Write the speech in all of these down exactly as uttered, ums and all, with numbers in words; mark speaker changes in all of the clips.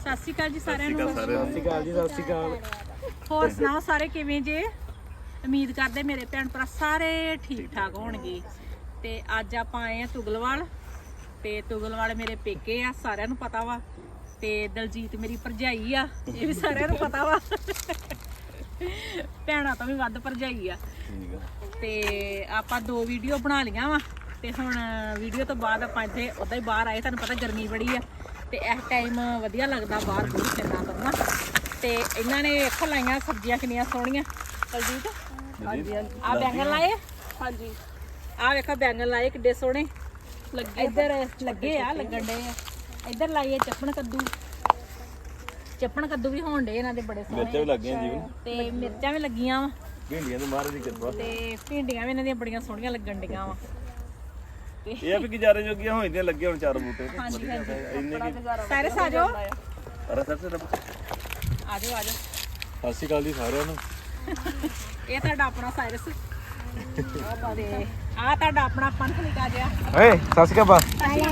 Speaker 1: ਸਤਿ ਸ਼੍ਰੀ ਅਕਾਲ ਜੀ ਸਾਰਿਆਂ ਨੂੰ।
Speaker 2: ਸਤਿ ਸ਼੍ਰੀ ਅਕਾਲ ਜੀ, ਸਤਿ ਸ਼੍ਰੀ ਅਕਾਲ।
Speaker 1: ਹੋਰ ਸੁਣਾਓ ਸਾਰੇ ਕਿਵੇਂ ਜੇ? ਉਮੀਦ ਕਰਦੇ ਮੇਰੇ ਭੈਣ ਭਰਾ ਸਾਰੇ ਠੀਕ ਠਾਕ ਹੋਣਗੇ। ਤੇ ਅੱਜ ਆਪਾਂ ਆਏ ਆ ਤੁਗਲਵਾਲ ਤੇ ਤੁਗਲਵਾਲ ਮੇਰੇ ਪੇਕੇ ਆ, ਸਾਰਿਆਂ ਨੂੰ ਪਤਾ ਵਾ। ਤੇ ਦਲਜੀਤ ਮੇਰੀ ਭਰਜਾਈ ਆ, ਇਹ ਵੀ ਸਾਰਿਆਂ ਨੂੰ ਪਤਾ ਵਾ। ਭੈਣਾਂ ਤੋਂ ਵੀ ਵੱਧ ਭਰਜਾਈ ਆ। ਤੇ ਆਪਾਂ ਦੋ ਵੀਡੀਓ ਬਣਾ ਲੀਆਂ ਵਾ ਤੇ ਹੁਣ ਵੀਡੀਓ ਤੋਂ ਬਾਅਦ ਆਪਾਂ ਇੱਥੇ ਉਦਾਂ ਹੀ ਬਾਹਰ ਆਏ। ਤੁਹਾਨੂੰ ਪਤਾ ਗਰਮੀ ਬੜੀ ਆ ਤੇ ਇਸ ਟਾਈਮ ਵਧੀਆ ਲੱਗਦਾ ਬਾਹਰ ਬੂਰ ਫਿਰਨਾ ਕਰਨਾ। ਤੇ ਇਹਨਾਂ ਨੇ ਇੱਥੋਂ ਲਾਈਆਂ ਸਬਜ਼ੀਆਂ ਕਿੰਨੀਆਂ ਸੋਹਣੀਆਂ। ਦਲਜੀਤ ਹਾਂਜੀ ਹਾਂਜੀ ਆ ਬੈਂਗਣ ਲਾਏ। ਹਾਂਜੀ ਆ ਵੇਖੋ ਬੈਂਗਣ ਲਾਏ ਕਿੱਡੇ ਸੋਹਣੇ ਲੱਗੇ। ਇੱਧਰ ਲੱਗੇ ਆ, ਲੱਗਣ ਡੇ ਆ। ਇੱਧਰ ਲਾਈਏ ਚੱਪਣ ਕੱਦੂ, ਚੱਪਣ ਕੱਦੂ ਵੀ ਹੋਣ ਡੇ ਇਹਨਾਂ ਦੇ ਬੜੇ ਸੋਹਣੇ।
Speaker 2: ਮਿਰਚਾਂ ਵੀ ਲੱਗੀਆਂ ਜੀ
Speaker 1: ਤੇ ਮਿਰਚਾਂ ਵੀ ਲੱਗੀਆਂ ਵਾ।
Speaker 2: ਭਿੰਡੀਆਂ ਤੇ ਮਹਾਰਾਜ ਦੀ ਕਿਰਪਾ।
Speaker 1: ਤੇ ਭਿੰਡੀਆਂ ਵੀ ਇਹਨਾਂ ਦੀਆਂ ਬੜੀਆਂ ਸੋਹਣੀਆਂ ਲੱਗਣ ਡੀਆਂ ਵਾ।
Speaker 2: ਇਹ ਆ ਵੀ ਗੁਜ਼ਾਰੇ ਜੋਗੀਆਂ ਹੋ ਜਾਂਦੀਆਂ, ਲੱਗੇ ਹੁਣ ਚਾਰ ਬੂਟੇ।
Speaker 1: ਹਾਂਜੀ ਹਾਂਜੀ
Speaker 2: ਇੰਨੇ ਕੀ
Speaker 1: ਸਾਰੇ ਸਾਜੋ
Speaker 2: ਅਰੇ ਸਰ ਸਰ
Speaker 1: ਆਜੋ ਆਜੋ।
Speaker 2: ਸਤਿ ਸ਼੍ਰੀ ਅਕਾਲ ਜੀ ਸਾਰਿਆਂ ਨੂੰ।
Speaker 1: ਇਹ ਤੁਹਾਡਾ ਆਪਣਾ ਸਾਇਰਸ ਤੇ ਆ ਤੁਹਾਡਾ ਆਪਣਾ ਪੰਥ ਨਿਕਾ ਜਿਆ।
Speaker 2: ਓਏ ਸਤਿ ਸ਼੍ਰੀ ਅਕਾਲ।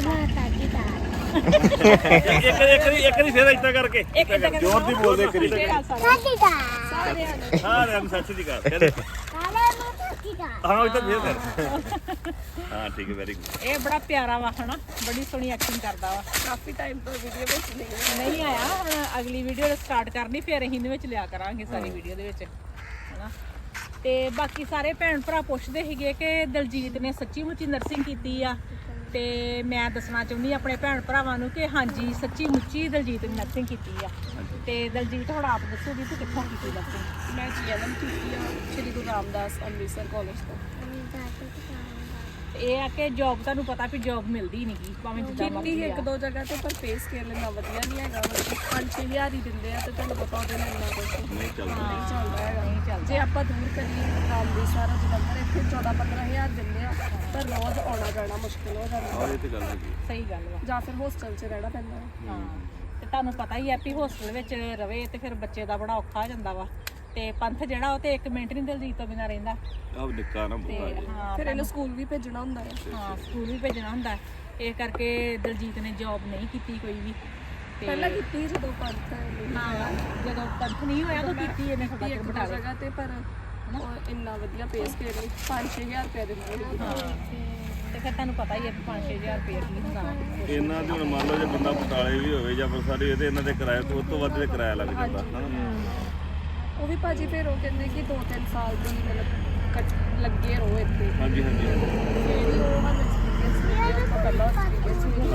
Speaker 2: ਇੱਕ ਇੱਕ ਇੱਕ ਦੀ ਫੇਰ ਇਦਾਂ ਕਰਕੇ ਜ਼ੋਰ ਦੀ ਬੋਲਦੇ ਕਰੀ ਸਾਰਿਆਂ ਨੂੰ ਸਤਿ ਸ਼੍ਰੀ ਅਕਾਲ। ਹਾਂ ਇਦਾਂ ਫੇਰ ਕਰ। ਹਾਂ ਠੀਕ ਹੈ, ਵੈਰੀ ਗੁੱਡ।
Speaker 1: ਇਹ ਬੜਾ ਪਿਆਰਾ ਵਾ ਹਨਾ, ਬੜੀ ਸੋਹਣੀ ਐਕਟਿੰਗ ਕਰਦਾ ਵਾ।
Speaker 3: ਕਾਫੀ ਟਾਈਮ ਤੋਂ ਵੀਡੀਓ ਵਿੱਚ ਨਹੀਂ
Speaker 1: ਨਹੀਂ ਆਇਆ, ਹੁਣ ਅਗਲੀ ਵੀਡੀਓ ਸਟਾਰਟ ਕਰਨੀ ਫਿਰ ਅਸੀਂ ਇਹਦੇ ਵਿੱਚ ਲਿਆ ਕਰਾਂਗੇ ਸਾਰੀ ਵੀਡੀਓ ਦੇ ਵਿੱਚ ਹਨਾ। ਤੇ ਬਾਕੀ ਸਾਰੇ ਭੈਣ ਭਰਾ ਪੁੱਛਦੇ ਸੀਗੇ ਕਿ ਦਲਜੀਤ ਨੇ ਸੱਚੀ ਮੁੱਚੀ ਨਰਸਿੰਗ ਕੀਤੀ ਆ। ਤੇ ਮੈਂ ਦੱਸਣਾ ਚਾਹੁੰਦੀ ਆਪਣੇ ਭੈਣ ਭਰਾਵਾਂ ਨੂੰ ਕਿ ਹਾਂਜੀ ਸੱਚੀ ਮੁੱਚੀ ਦਲਜੀਤ ਨੇ ਨਰਸਿੰਗ ਕੀਤੀ ਆ। ਤੇ ਦਲਜੀਤ ਹੁਣ ਆਪ ਦੱਸੋਗੀ ਤੂੰ ਕਿੱਥੋਂ ਕੀਤੀ ਨਰਸਿੰਗ?
Speaker 3: ਮੈਂ ਜੀ ਐਨ ਐਮ ਕੀਤੀ ਆ ਸ਼੍ਰੀ ਗੁਰੂ ਰਾਮਦਾਸ ਅੰਮ੍ਰਿਤਸਰ ਕਾਲਜ ਤੋਂ।
Speaker 1: ਇਹ ਆ ਕਿ ਜੌਬ ਤੁਹਾਨੂੰ ਪਤਾ ਵੀ ਜੌਬ ਮਿਲਦੀ ਨਹੀਂ ਗੀ ਭਾਵੇਂ ਜਿੱਦਾਂ
Speaker 3: ਕੀਤੀ
Speaker 1: ਮਰਜ਼ੀ
Speaker 3: ਇੱਕ
Speaker 1: ਆ।
Speaker 3: ਦੋ ਜਗ੍ਹਾ ਤੇ ਪਰ ਪੇ ਸਕੇਲ ਇੰਨਾ ਵਧੀਆ ਨਹੀਂ ਹੈਗਾ। ਪੰਜ ਛੇ ਹਜ਼ਾਰ ਹੀ ਦਿੰਦੇ ਆ ਤੇ ਤੁਹਾਨੂੰ ਪਤਾ ਉਹਦੇ ਨਾਲ ਇੰਨਾ ਕੁਛ
Speaker 2: ਨਹੀਂ ਚੱਲਦਾ
Speaker 3: ਨਹੀਂ ਚੱਲਦਾ ਹੈਗਾ।
Speaker 1: ਨਹੀਂ ਚੱਲਦਾ।
Speaker 3: ਜੇ ਆਪਾਂ ਦੂਰ ਕਰੀਏ ਅੰਮ੍ਰਿਤਸਰ ਜਲੰਧਰ ਇੱਥੇ ਚੌਦਾਂ ਪੰਦਰਾਂ ਹਜ਼ਾਰ ਦਿੰਦੇ ਆ ਪਰ ਰੋਜ਼ ਆਉਣਾ ਜਾਣਾ ਮੁਸ਼ਕਿਲ ਹੋ ਜਾਂਦਾ।
Speaker 2: ਇਹ ਤੇ ਗੱਲ ਹੈਗੀ।
Speaker 1: ਸਹੀ ਗੱਲ ਵਾ।
Speaker 3: ਜਾਂ ਫਿਰ ਹੋਸਟਲ 'ਚ ਰਹਿਣਾ ਪੈਂਦਾ ਹੈ।
Speaker 1: ਹਾਂ ਤੇ ਤੁਹਾਨੂੰ ਪਤਾ ਹੀ ਹੈ ਵੀ ਹੋਸਟਲ ਵਿੱਚ ਰਵੇ ਤੇ ਫਿਰ ਬੱਚੇ ਦਾ ਬੜਾ ਔਖਾ ਹੋ ਜਾਂਦਾ ਵਾ। ਤੇ ਪੰਥ ਜਿਹੜਾ ਉਹ ਤੇ ਇੱਕ ਮਿੰਟ ਨਹੀਂ ਦਲਜੀਤ ਤੋਂ ਬਿਨਾਂ ਰਹਿੰਦਾ।
Speaker 2: ਆਹ ਨਿੱਕਾ ਨਾ
Speaker 1: ਤੇ
Speaker 2: ਬੁੱਤਾ
Speaker 1: ਹਾਂ
Speaker 3: ਫਿਰ ਇਹਨੂੰ ਸਕੂਲ ਵੀ ਭੇਜਣਾ ਹੁੰਦਾ ਹੈ।
Speaker 1: ਹਾਂ ਸਕੂਲ ਵੀ ਭੇਜਣਾ ਹੁੰਦਾ। ਇਹ ਕਰਕੇ ਦਲਜੀਤ ਨੇ ਜੌਬ ਨਹੀਂ ਕੀਤੀ ਕੋਈ ਵੀ। ਤੇ
Speaker 3: ਪਹਿਲਾਂ ਕੀਤੀ ਜਦੋਂ ਪੰਥ
Speaker 1: ਹਾਂ ਜਦੋਂ ਪੰਥ ਨਹੀਂ ਹੋਇਆ ਤਾਂ ਕੀਤੀ ਇਹਨੇ ਥੋੜਾ
Speaker 3: ਇੱਕ ਦੋ ਜਗ੍ਹਾ ਤੇ ਪਰ ਉਹ ਇੰਨਾ ਵਧੀਆ ਪੇ ਸਕੇਲ ਨਹੀਂ ਪੰਜ ਛੇ ਹਜ਼ਾਰ ਰੁਪਏ ਦਿੰਦੇ ਨੇ।
Speaker 1: ਹਾਂ ਤੇ ਫਿਰ ਤੁਹਾਨੂੰ ਪਤਾ ਹੀ ਹੈ ਵੀ ਪੰਜ ਛੇ ਹਜ਼ਾਰ ਰੁਪਏ ਕੀ ਹੁੰਦਾ ਵਾ।
Speaker 2: ਇਹਨਾਂ ਦੇ ਹੁਣ ਮੰਨ ਲਓ ਜੇ ਬੰਦਾ ਬਟਾਲੇ ਵੀ ਹੋਵੇ ਜਾਂ ਬਰਸਾਰੀ ਇਹਦੇ ਇਹਨਾਂ ਦੇ ਕਿਰਾਏ ਤੋਂ ਉਸ ਤੋਂ ਵੱਧ ਦੇ ਕਿਰਾਇਆ ਲੱਗ ਜਾਂਦਾ ਹਨਾ।
Speaker 3: ਉਹ ਵੀ ਭਾਜੀ ਫਿਰ ਉਹ ਕਹਿੰਦੇ ਕਿ ਦੋ ਤਿੰਨ ਸਾਲ ਦੀ ਮਤਲਬ ਕੱਟ ਲੱਗੇ ਰਹੋ ਇੱਥੇ।
Speaker 2: ਹਾਂਜੀ ਹਾਂਜੀ
Speaker 3: ਫਿਰ ਉਹ ਸਾਨੂੰ ਐਕਸਪੀਰੀਅੰਸ ਮਿਲਿਆ ਆਪਾਂ ਪਹਿਲਾਂ ਐਕਸਪੀਰੀਅੰਸ ਵੀ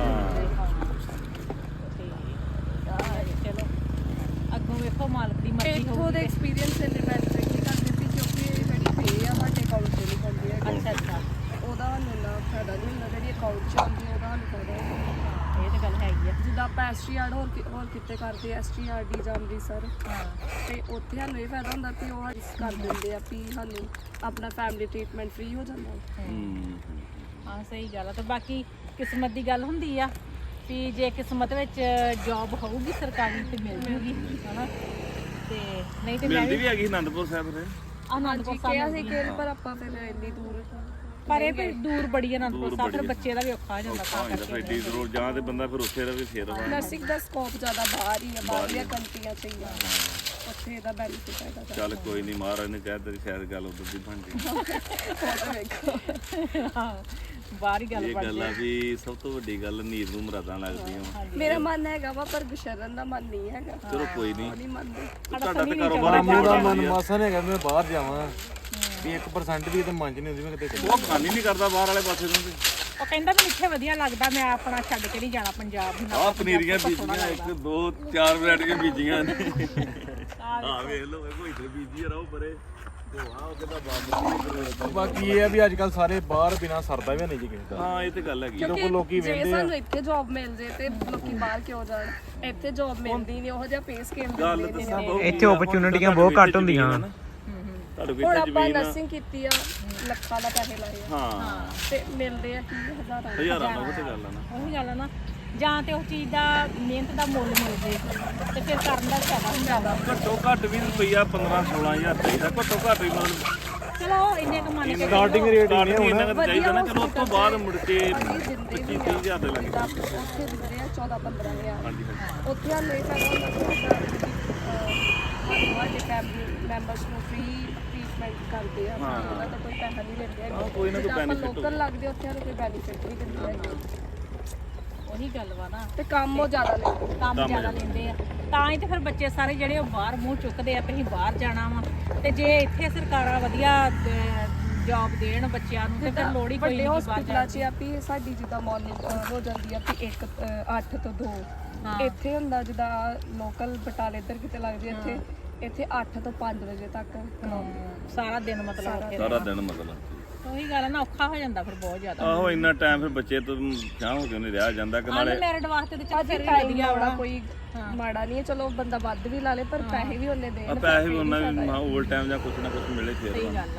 Speaker 1: ਤੇ ਚਲੋ ਅੱਗੋਂ ਵੇਖੋ ਮਾਲਕ ਦੀ ਮਰਜ਼ੀ
Speaker 3: ਇੱਥੋਂ
Speaker 1: ਹੋਊਗੀ।
Speaker 3: ਦੇ ਐਕਸਪੀਰੀਅੰਸ ਦੇ ਮੈਟਰ ਕੀ ਕਰਦੇ ਸੀ ਕਿਉਂਕਿ ਇਹ ਜਿਹੜੀ ਪੇ ਆ ਸਾਡੇ ਅਕਾਊਂਟ 'ਚ ਨਹੀਂ ਪਾਉਂਦੀ ਹੈ।
Speaker 1: ਅੱਛਾ ਅੱਛਾ
Speaker 3: ਉਹਦਾ ਸਾਨੂੰ ਇੰਨਾ ਫਾਇਦਾ ਨਹੀਂ ਹੁੰਦਾ। ਜਿਹੜੀ ਅਕਾਊਂਟ 'ਚ ਆਉਂਦੀ ਉਹਦਾ ਸਾਨੂੰ ਫਾਇਦਾ ਹੁੰਦਾ।
Speaker 1: ਇਹ ਤਾਂ ਗੱਲ ਹੈਗੀ ਆ।
Speaker 3: ਜਿੱਦਾਂ ਆਪਾਂ ਐਸ ਟੀ ਆਰ ਹੋਰ ਕਿ- ਹੋਰ ਕਿਤੇ ਕਰਦੇ ਐਸ ਟੀ ਆਰ ਡੀ ਜਾਂ ਅੰਮ੍ਰਿਤਸਰ
Speaker 1: ਹਾਂ
Speaker 3: ਤੇ ਉੱਥੇ ਸਾਨੂੰ ਇਹ ਫਾਇਦਾ ਹੁੰਦਾ ਕਿ ਉਹ ਇਸ ਕਰ ਦਿੰਦੇ ਆ ਵੀ ਸਾਨੂੰ ਆਪਣਾ ਫੈਮਿਲੀ ਟ੍ਰੀਟਮੈਂਟ ਫ੍ਰੀ ਹੋ ਜਾਂਦਾ।
Speaker 2: ਹੂੰ
Speaker 1: ਹਾਂ ਸਹੀ ਗੱਲ ਆ। ਤੇ ਬਾਕੀ ਕਿਸਮਤ ਦੀ ਗੱਲ ਹੁੰਦੀ ਆ ਵੀ ਜੇ ਕਿਸਮਤ ਵਿੱਚ ਜੌਬ ਹੋਊਗੀ ਸਰਕਾਰੀ ਤੇ ਮਿਲ ਜੂਗੀ ਹਨਾ। ਤੇ ਨਹੀਂ ਤੇ ਮੈਂ
Speaker 2: ਮਿਲਦੀ
Speaker 1: ਵੀ
Speaker 2: ਵੀ ਹੈਗੀ ਅਨੰਦਪੁਰ ਸਾਹਿਬ ਦੇ।
Speaker 1: ਆਨੰਦਪੁਰ
Speaker 3: ਕਿਹਾ
Speaker 1: ਸਾਹਿਬ
Speaker 3: ਸੀ
Speaker 1: ਮਿਲਦੀ
Speaker 3: ਕਿ ਪਰ ਆਪਾਂ ਫਿਰ ਇੰਨੀ ਦੂਰ
Speaker 1: ਪਰ ਇਹ ਵੀ ਦੂਰ ਬੜੀ ਆਨੰਦਪੁਰ
Speaker 2: ਦੂਰ
Speaker 1: ਸਾਹਿਬ ਫਿਰ
Speaker 2: ਬੜੀ ਆ।
Speaker 1: ਬੱਚੇ ਦਾ ਵੀ ਔਖਾ ਹੋ ਜਾਂਦਾ ਤਾਂ
Speaker 2: ਹਾਂ ਇਹਦਾ
Speaker 1: ਕਰਕੇ
Speaker 2: ਫੈਡੀ ਜ਼ਰੂਰ ਜਾਂ ਤੇ ਬੰਦਾ ਫਿਰ ਉੱਥੇ ਰਵੇ ਫੇਰ ਵਾ।
Speaker 3: ਨਰਸਿੰਗ ਦਾ ਸਕੋਪ ਜ਼ਿਆਦਾ ਬਾਹਰ ਹੀ ਹੈ, ਬਾਹਰਲੀਆਂ ਕੰਟਰੀਆਂ 'ਚ ਹੀ ਆ। ਉੱਥੇ ਇਹਦਾ ਬੈਨੀਫਿਟ ਹੈਗਾ।
Speaker 2: ਚੱਲ ਕੋਈ ਨਹੀਂ, ਮਹਾਰਾਜ ਨੇ ਕਹਿ ਤੇਰੀ ਸ਼ਾਇਦ ਗੱਲ ਉਧਰ ਦੀ ਬਣ ਗਈ।
Speaker 3: ਫੋਟੋ ਵੇਖੋ।
Speaker 1: ਹਾਂ ਬਾਹਰ ਹੀ ਗੱਲ
Speaker 2: ਇਹ
Speaker 1: ਬਣ
Speaker 2: ਗੱਲ ਆ ਵੀ ਸਭ ਤੋਂ ਵੱਡੀ ਗੱਲ ਨੀਰ ਨੂੰ ਮਰਾਦਾਂ ਲੱਗਦੀਆਂ।
Speaker 3: ਮੇਰਾ ਮਨ ਹੈਗਾ ਵਾ ਪਰ ਗੁਸ਼ਰਨ ਦਾ ਮਨ ਨਹੀਂ ਹੈਗਾ।
Speaker 2: ਚਲੋ ਕੋਈ ਨਹੀਂ,
Speaker 3: ਉਹ ਨਹੀਂ ਮੰਨਦੇ।
Speaker 2: ਤੁਹਾਡਾ ਤੇ ਕਾਰੋਬਾਰ
Speaker 4: ਮੇਰਾ ਮਨ ਮਾਸਾ ਨੇ ਹੈਗਾ ਮੈਂ ਬਾਹਰ ਜਾਵਾਂ ਵੀ ਇੱਕ ਪਰਸੈਂਟ ਵੀ ਤੇ ਮਨ ਚ ਨਹੀਂ ਹੁੰਦੀ ਮੈਂ ਕਿਤੇ
Speaker 2: ਉਹ ਖਾਨੀ ਨਹੀਂ ਕਰਦਾ ਬਾਹਰ ਵਾਲੇ ਪਾਸੇ ਨੂੰ।
Speaker 1: ਉਹ ਕਹਿੰਦਾ ਮੈਨੂੰ ਇੱਥੇ ਵਧੀਆ ਲੱਗਦਾ, ਮੈਂ ਆਪਣਾ ਛੱਡ ਕੇ ਨਹੀਂ ਜਾਣਾ ਪੰਜਾਬ ਨੂੰ।
Speaker 2: ਆਹ ਪਨੀਰੀਆਂ ਬੀਜੀਆਂ ਇੱਕ ਦੋ ਚਾਰ ਵੈਰਾਈਟੀਆਂ ਬੀਜੀਆਂ ਨੇ। ਆਹ ਵੇਖ ਲਓ ਕੋਈ ਇੱਧਰ ਬੀਜੀ ਰਹੋ ਪਰੇ ਦੋਹਾ ਉਹ ਕਿਦਾ ਬਾਬਾ।
Speaker 4: ਬਾਕੀ ਇਹ ਆ ਵੀ ਅੱਜ ਕੱਲ ਸਾਰੇ ਬਾਹਰ ਬਿਨਾ ਸਰਦਾ ਵੀ ਨਹੀਂ ਜੀ ਕਿਸੇ ਦਾ।
Speaker 2: ਹਾਂ ਇਹ ਤੇ ਗੱਲ ਹੈਗੀ।
Speaker 4: ਲੋਕ ਲੋਕੀ
Speaker 3: ਜੇ
Speaker 4: ਵੇਂਦੇ ਆ
Speaker 3: ਸਾਨੂੰ ਇੱਥੇ ਜੌਬ ਮਿਲ ਜੇ ਤੇ ਲੋਕੀ ਬਾਹਰ ਕਿਉਂ ਜਾਣ? ਇੱਥੇ ਜੌਬ ਮਿਲਦੀ ਨਹੀਂ, ਉਹੋ ਜਿਹਾ ਪੇ ਸਕੇਲ
Speaker 2: ਗੱਲ
Speaker 3: ਦਿੰਦੇ
Speaker 2: ਦੱਸਾਂ
Speaker 3: ਨੇ।
Speaker 2: ਬਹੁਤ
Speaker 5: ਇੱਥੇ ਓਪਰਚੁਨਿਟੀਆਂ ਬਹੁਤ ਘੱਟ ਹੁੰਦੀਆਂ।
Speaker 2: ਤੁਹਾਡੇ ਕੋਲ
Speaker 3: ਹੁਣ
Speaker 2: ਇੱਥੇ
Speaker 3: ਆਪਾਂ
Speaker 2: ਜ਼ਮੀਨ ਆ
Speaker 3: ਨਰਸਿੰਗ ਕੀਤੀ ਆ, ਲੱਖਾਂ ਦਾ ਪੈਸੇ ਲਾਏ ਆ
Speaker 2: ਹਾਂ
Speaker 3: ਤੇ ਮਿਲਦੇ ਆ ਕੀ ਹਜ਼ਾਰਾਂ।
Speaker 2: ਹਜ਼ਾਰਾਂ ਦਾ ਉਹ ਤੇ ਗੱਲ ਆ ਨਾ।
Speaker 1: ਉਹੀ ਗੱਲ ਆ ਨਾ, ਜਾਂ ਤੇ ਉਸ ਚੀਜ਼ ਦਾ ਮਿਹਨਤ ਦਾ ਮੁੱਲ ਮਿਲ ਜੇ ਤੇ ਫਿਰ ਕਰਨ ਦਾ ਫਾਇਦਾ ਹੁੰਦਾ ਵਾ।
Speaker 2: ਘੱਟੋ ਘੱਟ ਵੀ ਰੁਪਈਆ ਪੰਦਰਾਂ ਸੋਲਾਂ ਹਜ਼ਾਰ ਚਾਹੀਦਾ ਘੱਟੋ ਘੱਟ ਵੀ। ਮਤਲਬ
Speaker 1: ਚਲੋ ਇੰਨੇ ਕੁ ਮੰਨ ਕੇ
Speaker 4: ਸਟਾਰਟਿੰਗ ਰੇਟ ਹੀ ਨੇ
Speaker 2: ਇੰਨਾ ਕੁ ਚਾਹੀਦਾ ਨਾ ਚਲੋ ਉਸ ਤੋਂ ਬਾਅਦ ਮੁੜ ਕੇ
Speaker 3: ਭਾਜੀ ਦਿੰਦੇ ਵੀ
Speaker 2: ਪੱਚੀ ਹਜ਼ਾਰ ਦੇ ਲੱਗੇ
Speaker 3: ਆ ਉੱਥੇ ਦਿੰਦੇ ਆ ਚੌਦਾਂ ਪੰਦਰਾਂ ਹਜ਼ਾਰ
Speaker 2: ਹਾਂਜੀ ਹਾਂਜੀ
Speaker 3: ਉੱਥੇ ਆ ਲੈ ਕਰ ਸਾਡੇ ਫੈਮਿਲੀ ਮੈਂਬਰਸ ਨੂੰ ਫ੍ਰੀ ਟ੍ਰੀਟਮੈਂਟ ਕਰਦੇ ਆ ਉਹਨਾਂ ਦਾ ਕੋਈ ਪੈਸਾ ਨਹੀਂ ਲੈਂਦੇ ਹੈਗੇ
Speaker 2: ਕੋਈ ਨਾ ਕੋਈ
Speaker 3: ਆਪਾਂ ਲੋਕਲ ਲੱਗਦੇ ਉੱਥੇ ਨੂੰ ਕੋਈ ਬੈਨੀਫਿਟ ਨਹੀਂ ਦਿੰਦੇ ਹੈਗੇ
Speaker 1: ਉਹੀ ਗੱਲ ਵਾ ਨਾ
Speaker 3: ਤੇ ਕੰਮ ਉਹ ਜ਼ਿਆਦਾ ਲੈਂਦੇ
Speaker 1: ਕੰਮ ਜ਼ਿਆਦਾ ਲੈਂਦੇ ਆ ਤਾਂ ਹੀ ਤੇ ਫਿਰ ਬੱਚੇ ਸਾਰੇ ਜਿਹੜੇ ਉਹ ਬਾਹਰ ਮੂੰਹ ਚੁੱਕਦੇ ਆ ਵੀ ਅਸੀਂ ਬਾਹਰ ਜਾਣਾ ਵਾ ਤੇ ਜੇ ਇੱਥੇ ਸਰਕਾਰਾਂ ਵਧੀਆ ਜੌਬ ਦੇਣ ਬੱਚਿਆਂ ਨੂੰ ਤੇ ਫਿਰ ਲੋੜ ਹੀ ਕੋਈ
Speaker 3: ਵੱਡੇ
Speaker 1: ਨਹੀਂ ਬਾਹਰ
Speaker 3: ਹਸਪੀਟਲਾਂ 'ਚ ਆ ਵੀ ਸਾਡੀ ਜਿੱਦਾਂ ਮਾਰਨਿੰਗ ਹੋ ਜਾਂਦੀ ਆ ਵੀ ਇੱਕ ਅੱਠ ਤੋਂ ਦੋ ਇੱਥੇ ਹੁੰਦਾ ਜਿੱਦਾਂ ਲੋਕਲ ਬਟਾਲੇ ਇੱਧਰ ਕਿਤੇ ਲੱਗਦੀ ਇੱਥੇ ਇੱਥੇ ਅੱਠ ਤੋਂ ਪੰਜ ਵਜੇ ਤੱਕ ਕਰਾਉਂਦੇ
Speaker 1: ਸਾਰਾ ਦਿਨ ਮਤਲਬ ਉੱਥੇ
Speaker 2: ਸਾਰਾ ਦਿਨ ਮਤਲਬ
Speaker 1: ਉਹੀ ਗੱਲ ਆ ਨਾ ਔਖਾ ਹੋ ਜਾਂਦਾ ਫਿਰ ਬਹੁਤ ਜ਼ਿਆਦਾ
Speaker 2: ਆਹੋ ਇੰਨਾ ਟਾਈਮ ਫਿਰ ਬੱਚੇ ਤੋਂ ਚਾਹ ਹੋ ਕੇ ਨਹੀਂ ਰਿਹਾ ਜਾਂਦਾ ਕਿ ਨਾਲੇ
Speaker 1: ਅਨਮੈਰਿਡ ਵਾਸਤੇ ਤੇ ਚੱਲ
Speaker 3: ਅੱਜ
Speaker 1: ਫਿਰ ਵੀ
Speaker 3: ਟਾਈਮ
Speaker 1: ਵਧੀਆ
Speaker 3: ਆਉਣਾ
Speaker 1: ਵਾ
Speaker 3: ਕੋਈ ਮਾੜਾ ਨਹੀਂ ਹੈ ਚਲੋ ਬੰਦਾ ਵੱਧ ਵੀ ਲਾ ਲੇ ਪਰ ਪੈਸੇ ਵੀ ਉਹਨੇ ਦੇਣ
Speaker 2: ਆ ਪੈਸੇ ਵੀ ਉਹਨਾਂ ਵੀ ਓਵਰ ਟਾਈਮ ਜਾਂ ਕੁਛ ਨਾ ਕੁਛ ਮਿਲੇ ਫੇਰ
Speaker 1: ਸਹੀ ਗੱਲ ਆ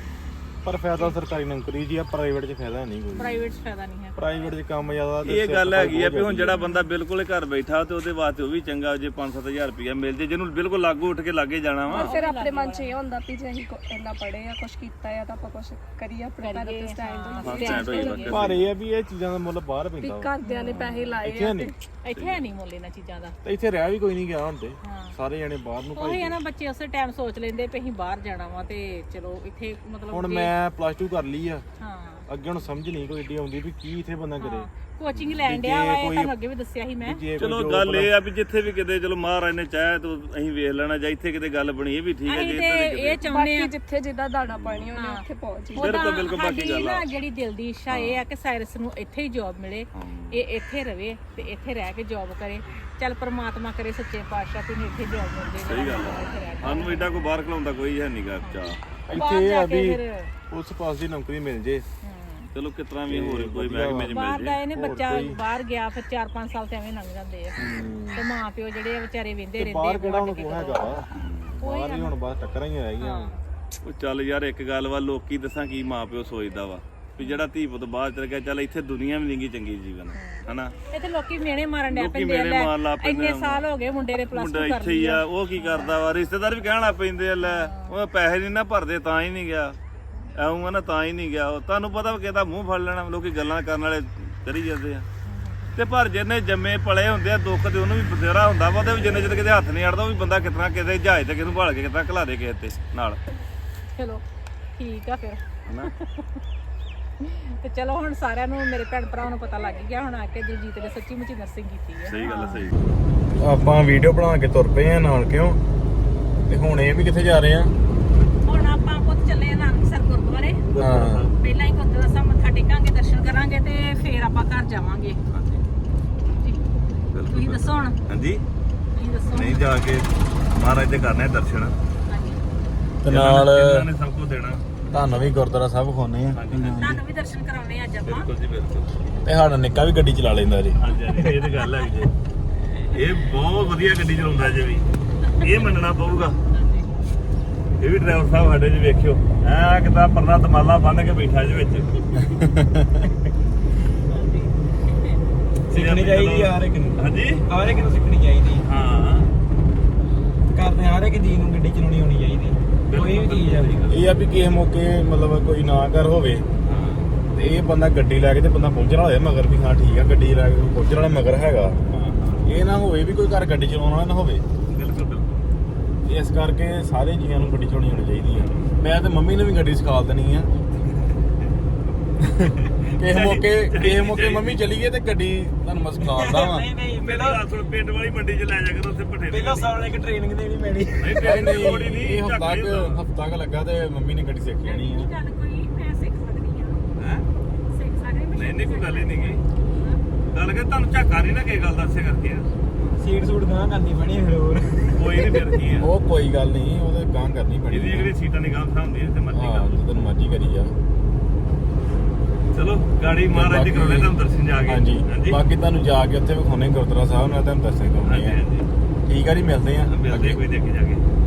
Speaker 4: ਪਰ ਫਾਇਦਾ ਸਰਕਾਰੀ ਨੌਕਰੀ ਜੀ ਆ ਪ੍ਰਾਈਵੇਟ 'ਚ ਫਾਇਦਾ ਨਹੀਂ ਕੋਈ
Speaker 1: ਪ੍ਰਾਈਵੇਟ 'ਚ ਫਾਇਦਾ ਨਹੀਂ ਹੈ
Speaker 4: ਪ੍ਰਾਈਵੇਟ 'ਚ ਕੰਮ ਜ਼ਿਆਦਾ ਤੇ
Speaker 2: ਇਹ ਗੱਲ ਹੈਗੀ ਆ ਵੀ ਹੁਣ ਜਿਹੜਾ ਬੰਦਾ ਬਿਲਕੁਲ ਹੀ ਘਰ ਬੈਠਾ ਤੇ ਉਹਦੇ ਵਾਸਤੇ ਉਹ ਵੀ ਚੰਗਾ ਜੇ ਪੰਜ ਸੱਤ ਹਜ਼ਾਰ ਰੁਪਇਆ ਮਿਲ ਜੇ ਜਿਹਨੂੰ ਬਿਲਕੁਲ ਲਾਗੂ ਉੱਠ ਕੇ ਲਾਗੇ ਜਾਣਾ ਵਾ
Speaker 3: ਫਿਰ ਆਪਣੇ ਮਨ 'ਚ ਇਹ ਹੁੰਦਾ ਵੀ ਜੇ ਅਸੀਂ ਕੋ- ਇੰਨਾ ਪੜ੍ਹੇ ਆ ਕੁਛ ਕੀਤਾ ਆ ਤਾਂ ਆਪਾਂ ਕੁਛ ਕਰੀਏ ਆਪਣੇ ਪੈਰਾਂ ਤੇ ਸਟੈਂਡ
Speaker 2: ਹਾਂ ਸਟੈਂਡ ਹੋਈ ਬਾਕੀ
Speaker 4: ਪਰ ਇਹ ਆ ਵੀ ਇਹ ਚੀਜ਼ਾਂ ਦਾ ਮੁੱਲ ਬਾਹਰ
Speaker 3: ਵੀ
Speaker 4: ਪੈਂਦਾ ਵਾ।
Speaker 3: ਘਰਦਿਆਂ ਨੇ ਪੈਸੇ ਲਾਏ
Speaker 4: ਇੱਥੇ
Speaker 3: ਆ
Speaker 4: ਨਹੀਂ
Speaker 1: ਇੱਥੇ ਹੈ ਨਹੀਂ ਮੁੱਲ ਇਹਨਾਂ ਚੀਜ਼ਾਂ ਦਾ
Speaker 4: ਤੇ ਇੱਥੇ ਰਹਿ ਵੀ ਕੋਈ ਨਹੀਂ ਗਿਆ ਹੁਣ ਤੇ
Speaker 1: ਹਾਂ
Speaker 4: ਸਾਰੇ ਜਣੇ ਬਾਹਰ ਨੂੰ
Speaker 1: ਉਹੀ
Speaker 4: ਭਾਈ
Speaker 1: ਹੈ ਨਾ ਬੱਚੇ ਉਸੇ ਟਾਈਮ ਸੋਚ ਲੈਂਦੇ ਵੀ ਅਸੀਂ ਬਾਹਰ ਜਾਣਾ ਵਾ ਤੇ ਚਲੋ ਇੱਥੇ ਮਤਲਬ
Speaker 4: ਹੁਣ ਮੈਂ ਪਲੱਸ ਟੂ ਕਰ ਲਈ ਆ
Speaker 1: ਹਾਂ
Speaker 4: ਅੱਗੇ ਹੁਣ ਸਮਝ ਨਹੀਂ ਕੋਈ ਏਡੀ ਆਉਂਦੀ ਵੀ ਕੀ ਇੱਥੇ ਬੰਦਾ ਕਰੇ
Speaker 1: ਕੋਚਿੰਗ ਲੈਣ ਡਿਆ ਵਾ ਇਹ ਤੁਹਾਨੂੰ ਅੱਗੇ ਵੀ ਦੱਸਿਆ ਸੀ ਮੈਂ
Speaker 4: ਜੇ
Speaker 2: ਚਲੋ ਗੱਲ ਇਹ ਆ ਵੀ ਜਿੱਥੇ ਵੀ ਕਿਤੇ ਚਲੋ ਮਹਾਰਾਜ ਨੇ ਚਾਹਿਆ ਤਾਂ ਅਸੀਂ ਵੇਖ ਲੈਣਾ ਜਾਂ ਇੱਥੇ ਕਿਤੇ ਗੱਲ ਬਣੀ ਇਹ ਵੀ ਠੀਕ ਹੈ
Speaker 1: ਅਸੀਂ
Speaker 2: ਜੇ
Speaker 1: ਤੇ
Speaker 2: ਇੱਥੇ ਕਿਤੇ
Speaker 1: ਇਹ ਚਾਹੁੰਦੇ ਆ
Speaker 3: ਬਾਕੀ ਜਿੱਥੇ ਜਿੱਦਾਂ ਦਾਣਾ ਪਾਣੀ ਉਹਨੇ ਉੱਥੇ ਪਹੁੰਚ ਜਾਈਏ।
Speaker 2: ਬਿਲਕੁਲ ਬਿਲਕੁਲ ਬਾਕੀ
Speaker 1: ਸਾਡੀ
Speaker 2: ਗੱਲ ਆ
Speaker 1: ਨਾ ਜਿਹੜੀ ਦਿਲ ਦੀ ਇੱਛਾ ਇਹ ਆ ਕਿ ਸਾਇਰਸ ਨੂੰ ਇੱਥੇ ਹੀ ਜੌਬ ਮਿਲੇ ਇਹ ਇੱਥੇ ਰਵੇ ਤੇ ਇੱਥੇ ਰਹਿ ਕੇ ਜੌਬ ਕਰੇ ਚੱਲ ਪ੍ਰਮਾਤਮਾ ਕਰੇ ਸੱਚੇ ਪਾਤਸ਼ਾਹ ਤੇ ਇੱਥੇ ਜੌਬ ਮਿਲ ਜੇ
Speaker 2: ਸਹੀ ਗੱਲ ਆ ਸਾਨੂੰ ਏਡਾ ਕੋਈ ਬਾਹਰ ਖਲਾਉਂਦਾ ਕੋਈ ਹੈ ਨਹੀਂਗਾ ਚਾ
Speaker 4: ਇੱਥੇ ਇਹ ਆ ਵੀ ਉਸ ਪਾਸ ਦੀ ਨੌਕਰੀ ਮਿਲ ਜੇ
Speaker 2: ਚਲੋ ਕਿਤਨਾ ਵੀ ਹੋਰ ਕੋਈ ਮਹਿਕਮੇ ਚ ਮਿਲ
Speaker 1: ਬਾਹਰ
Speaker 2: ਜੇ
Speaker 1: ਗਏ ਨੇ ਬੱਚਾ ਬਾਹਰ ਗਿਆ ਫਿਰ ਚਾਰ ਪੰਜ ਸਾਲ ਤੇ ਐਵੇਂ ਲੰਘ ਜਾਂਦੇ ਆ ਤੇ ਮਾਂ ਪਿਓ ਜਿਹੜੇ ਆ ਵਿਚਾਰੇ ਵਿੰਦੇ ਰਹਿੰਦੇ
Speaker 4: ਬਾਹਰ
Speaker 1: ਆ
Speaker 4: ਕਿਹੜਾ ਹੁਣ ਕੋ ਹੈਗਾ ਵਾ ਬਾਹਰ ਹੀ ਹੁਣ ਬਸ ਟੱਕਰਾਂ ਹੀ ਰਹਿ ਗਈਆਂ
Speaker 2: ਉਹ ਚੱਲ ਯਾਰ ਇੱਕ ਗੱਲ ਵਾ ਲੋਕੀ ਦੱਸਾਂ ਕੀ ਮਾਂ ਪਿਓ ਸੋਚਦਾ ਵਾ ਵੀ ਜਿਹੜਾ ਧੀ ਪੁੱਤ ਬਾਹਰ ਚਲ ਗਿਆ ਚੱਲ ਇੱਥੇ ਦੁਨੀਆ ਵੀ ਨਹੀਂਗੀ ਚੰਗੀ ਜੀਵਨ ਹਨਾ
Speaker 1: ਇੱਥੇ ਲੋਕੀ ਮਿਹਣੇ ਮਾਰਨ ਡਿਆ
Speaker 2: ਲੋਕੀ
Speaker 1: ਪੈਂਦੇ ਆ
Speaker 2: ਮਿਹਣੇ ਮਾਰਨ
Speaker 1: ਲੈ
Speaker 2: ਲੱਗ ਪੈਂਦੇ
Speaker 1: ਇੰਨੇ ਸਾਲ ਹੋ ਗਏ ਮੁੰਡੇ ਦੇ ਪਲੱਸ
Speaker 2: ਮੁੰਡਾ
Speaker 1: ਟੂ
Speaker 2: ਇੱਥੇ ਹੀ ਆ ਉਹ ਕੀ ਕਰਦਾ ਵਾ ਰਿਸ਼ਤੇਦਾਰ ਵੀ ਕਹਿਣ ਲੱਗ ਪੈਂਦੇ ਆ ਲੈ ਉਹ ਪੈਸੇ ਨਹੀਂ ਨਾ ਭਰਦੇ ਤਾਂ ਹੀ ਨਹੀਂ ਗਿਆ ਆਉਂਗਾ ਨਾ ਤਾਂ ਹੀ ਨਹੀਂ ਗਿਆ ਉਹ ਤੁਹਾਨੂੰ ਪਤਾ ਵਾ ਕਿਹਦਾ ਮੂੰਹ ਫੜ ਲੈਣਾ ਲੋਕੀ ਗੱਲਾਂ ਕਰਨ ਵਾਲੇ ਕਰੀ ਜਾਂਦੇ ਆ ਤੇ ਪਰ ਜਿਹਨੇ ਜੰਮੇ ਪਲੇ ਹੁੰਦੇ ਆ ਦੁੱਖ ਤੇ ਉਹਨੂੰ ਵੀ ਬਥੇਰਾ ਹੁੰਦਾ ਵਾ ਉਹਦੇ ਵੀ ਜਿੰਨੇ ਚਿਰ ਕਿਤੇ ਹੱਥ ਨਹੀਂ ਅੜਦਾ ਉਹ ਵੀ ਬੰਦਾ ਕਿਤਨਾ ਕਿਤੇ ਜਹਾਜ਼ ਤੇ ਕਿਹਨੂੰ ਭਾਲ ਕੇ ਕਿਤਨਾ ਘਲਾ ਦੇ ਕਿਸੇ ਤੇ ਨਾਲ
Speaker 1: ਚਲੋ ਠੀਕ ਆ ਫਿਰ
Speaker 2: ਹਨਾ
Speaker 1: ਤੇ ਚਲੋ ਹੁਣ ਸਾਰਿਆਂ ਨੂੰ ਮੇਰੇ ਭੈਣ ਭਰਾਵਾਂ ਨੂੰ ਪਤਾ ਲੱਗ ਗਿਆ ਹੁਣ ਆ ਕੇ ਦਿਲਜੀਤ ਨੇ ਸੱਚੀ ਮੁੱਚੀ ਨਰਸਿੰਗ ਕੀਤੀ ਹੈ
Speaker 2: ਸਹੀ ਗੱਲ ਆ ਸਹੀ
Speaker 4: ਆਪਾਂ ਵੀਡੀਓ ਬਣਾ ਕੇ ਤੁਰ ਪਏ ਆ ਨਾਲ ਕਿਉਂ ਤੇ ਹੁਣ ਇਹ ਵੀ ਕਿੱਥੇ ਜਾ ਰਹੇ ਆ
Speaker 1: ਹੁਣ ਆਪਾਂ ਪੁੱਤ ਚੱਲੇ ਆ ਨਾਨਕਸਰ ਗੁਰਦੁਆਰੇ
Speaker 4: ਹਾਂ
Speaker 1: ਪਹਿਲਾਂ ਹੀ ਗੁਰਦੁਆਰਾ ਸਾਹਿਬ ਮੱਥਾ ਟੇਕਾਂਗੇ ਦਰਸ਼ਨ ਕਰਾਂਗੇ ਤੇ ਫੇਰ ਆਪਾਂ ਘਰ ਜਾਵਾਂਗੇ ਜੀ। ਤੁਸੀਂ ਦੱਸੋ ਹੁਣ
Speaker 2: ਹਾਂਜੀ
Speaker 1: ਤੁਸੀਂ ਦੱਸੋ
Speaker 2: ਨਹੀਂ ਜਾ ਕੇ ਮਹਾਰਾਜ ਦੇ ਕਰਨੇ ਦਰਸ਼ਨ
Speaker 1: ਹਾਂਜੀ
Speaker 4: ਤੇ ਨਾਲ
Speaker 2: ਇਹਨਾਂ ਨੇ ਸਭ ਕੁਝ ਦੇਣਾ
Speaker 4: ਤੁਹਾਨੂੰ ਵੀ ਗੁਰਦੁਆਰਾ ਸਾਹਿਬ ਵਿਖਾਉਣੇ ਆ
Speaker 2: ਹਾਂਜੀ ਹਾਂਜੀ
Speaker 1: ਤੁਹਾਨੂੰ ਵੀ ਦਰਸ਼ਨ ਕਰਾਉਣੇ ਆ ਅੱਜ ਆਪਾਂ
Speaker 2: ਬਿਲਕੁਲ ਜੀ ਬਿਲਕੁਲ
Speaker 4: ਤੇ ਸਾਡਾ ਨਿੱਕਾ ਵੀ ਗੱਡੀ ਚਲਾ ਲੈਂਦਾ ਜੀ
Speaker 2: ਹਾਂਜੀ ਹਾਂਜੀ ਇਹ ਤਾਂ ਗੱਲ ਹੈ ਜੀ ਇਹ ਬਹੁਤ ਵਧੀਆ ਗੱਡੀ ਚਲਾਉਂਦਾ ਜੇ ਵੀ ਇਹ ਮੰਨਣਾ ਪਊਗਾ ਇਹ ਵੀ ਡਰਾਈਵਰ ਸਾਹਿਬ ਸਾਡੇ ਜੀ ਵੇਖਿਓ ਐ ਕਿਤਾ ਪਰਨਾ ਤਮਾਲਾ ਬੰਨ ਕੇ ਬੈਠਾ ਜੀ ਵਿੱਚ
Speaker 5: ਸਿੱਖਣੀ ਚਾਹੀਦੀ ਯਾਰ ਇੱਕ ਨੂੰ
Speaker 2: ਹਾਂਜੀ
Speaker 5: ਹਰ ਇੱਕ ਨੂੰ ਸਿੱਖਣੀ ਚਾਹੀਦੀ
Speaker 2: ਹਾਂ
Speaker 5: ਕਰਦੇ ਹਰ ਇੱਕ ਜੀ ਨੂੰ ਗੱਡੀ ਚਲਾਉਣੀ ਆਉਣੀ ਚਾਹੀਦੀ ਕੋਈ ਵੀ ਚੀਜ਼ ਆ
Speaker 4: ਇਹ ਆ ਵੀ ਕਿਸੇ ਮੌਕੇ ਮਤਲਬ ਕੋਈ ਨਾ ਕਰ ਹੋਵੇ ਤੇ ਇਹ ਬੰਦਾ ਗੱਡੀ ਲੈ ਕੇ ਤੇ ਬੰਦਾ ਪਹੁੰਚਣ ਵਾਲਾ ਹੋਏ ਮਗਰ ਵੀ ਹਾਂ ਠੀਕ ਆ ਗੱਡੀ ਲੈ ਕੇ ਪਹੁੰਚਣ ਵਾਲਾ ਮਗਰ ਹੈਗਾ ਇਹ ਨਾ ਹੋਵੇ ਵੀ ਕੋਈ ਘਰ ਗੱਡੀ ਚਲਾਉਣ ਵਾਲਾ ਨਾ ਹੋਵੇ
Speaker 2: ਬਿਲਕੁਲ ਬਿਲਕੁਲ
Speaker 4: ਇਸ ਕਰਕੇ ਸਾਰੇ ਜੀਆਂ ਨੂੰ ਗੱਡੀ ਚਲਾਉਣੀ ਆਉਣੀ ਚਾਹੀਦੀ ਆ ਮੈਂ ਤੇ ਮੰਮੀ ਨੂੰ ਵੀ ਗੱਡੀ ਸਿਖਾ ਦੇਣੀ ਆ ਕਿਸੇ ਮੌਕੇ ਕਿਸੇ ਮੌਕੇ ਮੰਮੀ ਚਲੀ ਗਈ ਤੇ ਗੱਡੀ ਤੁਹਾਨੂੰ ਮੈਂ ਸਿਖਾਉਂਦਾ ਵਾਂ
Speaker 5: ਨਹੀਂ ਨਹੀਂ
Speaker 2: ਪਹਿਲਾਂ ਗੱਲ ਸੁਣ ਪਿੰਡ ਵਾਲੀ ਮੰਡੀ 'ਚ ਲੈ ਜਾ ਕੇ ਉੱਥੇ ਭੱਠੇ
Speaker 5: ਪਹਿਲਾਂ ਸਾਲ ਇੱਕ ਟ੍ਰੇਨਿੰਗ ਦੇਣੀ ਪੈਣੀ
Speaker 2: ਨਹੀਂ
Speaker 4: ਨਹੀਂ
Speaker 2: ਟ੍ਰੇਨ ਦੀ ਲੋੜ ਹੀ
Speaker 4: ਨਹੀਂ
Speaker 2: ਨਹੀਂ
Speaker 4: ਇਹ ਹਫਤਾ ਕੁ ਹਫਤਾ ਕੁ ਲੱਗਾ ਤੇ ਮੰਮੀ ਨੇ ਗੱਡੀ ਸਿੱਖ ਲੈਣੀ ਆ
Speaker 1: ਗੱਲ ਕੋਈ ਮੈਂ ਸਿੱਖ ਸਕਦੀ ਆ
Speaker 2: ਹੈ
Speaker 1: ਸਿੱਖ ਸਕਦੀ ਮੈਂ
Speaker 2: ਨਹੀਂ ਨਹੀਂ ਕੋਈ ਗੱਲ ਹੀ ਨਹੀਂ ਗਈ ਗੱਲ ਕਰ ਤੁਹਾਨੂੰ ਝਾਕਾ ਨਹੀਂ ਨਾ ਕਿਸੇ ਗੱਲ ਦਾ ਇਸੇ ਕਰਕੇ ਆ
Speaker 5: ਸੀਟ ਸੂਟ ਗਾਂ ਕਰਨੀ ਪੈਣੀ ਫਿਰ ਹੋਰ
Speaker 2: ਕੋਈ ਨਹੀਂ ਫਿਰ ਕੀ ਆ
Speaker 4: ਉਹ ਕੋਈ ਗੱਲ ਨਹੀਂ ਉਹਦੇ ਗਾਂ ਕਰਨੀ ਪੈਣੀ
Speaker 2: ਇਹਦੀ ਜਿਹੜੀ ਸੀਟਾਂ ਦੀ ਗਾਂ ਹੁੰਦੀ ਤੇ ਮਰਜ਼ੀ
Speaker 4: ਹਾਂ
Speaker 2: ਕਰ
Speaker 4: ਜਦੋਂ ਮਰਜ਼ੀ ਕਰੀ ਜਾ
Speaker 2: ਚਲੋ ਗਾੜੀ ਮਹਾਰਾਜ ਦੇ ਕਰਾਉਣੇ ਤੁਹਾਨੂੰ ਦਰਸ਼ਨ ਜਾ ਕੇ
Speaker 4: ਹਾਂਜੀ ਬਾਕੀ ਤੁਹਾਨੂੰ ਜਾ ਕੇ ਉੱਥੇ ਵਿਖਾਉਣੇ ਗੁਰਦੁਆਰਾ ਸਾਹਿਬ ਨਾਲ ਤੁਹਾਨੂੰ ਦਰਸ਼ਨ
Speaker 2: ਹਾਂਜੀ
Speaker 4: ਕਰਾਉਣੇ ਆ
Speaker 2: ਹਾਂਜੀ
Speaker 4: ਠੀਕ ਆ ਜੀ ਮਿਲਦੇ ਆ
Speaker 2: ਮਿਲਦੇ ਕੋਈ ਦੇਖ ਕੇ ਜਾ ਕੇ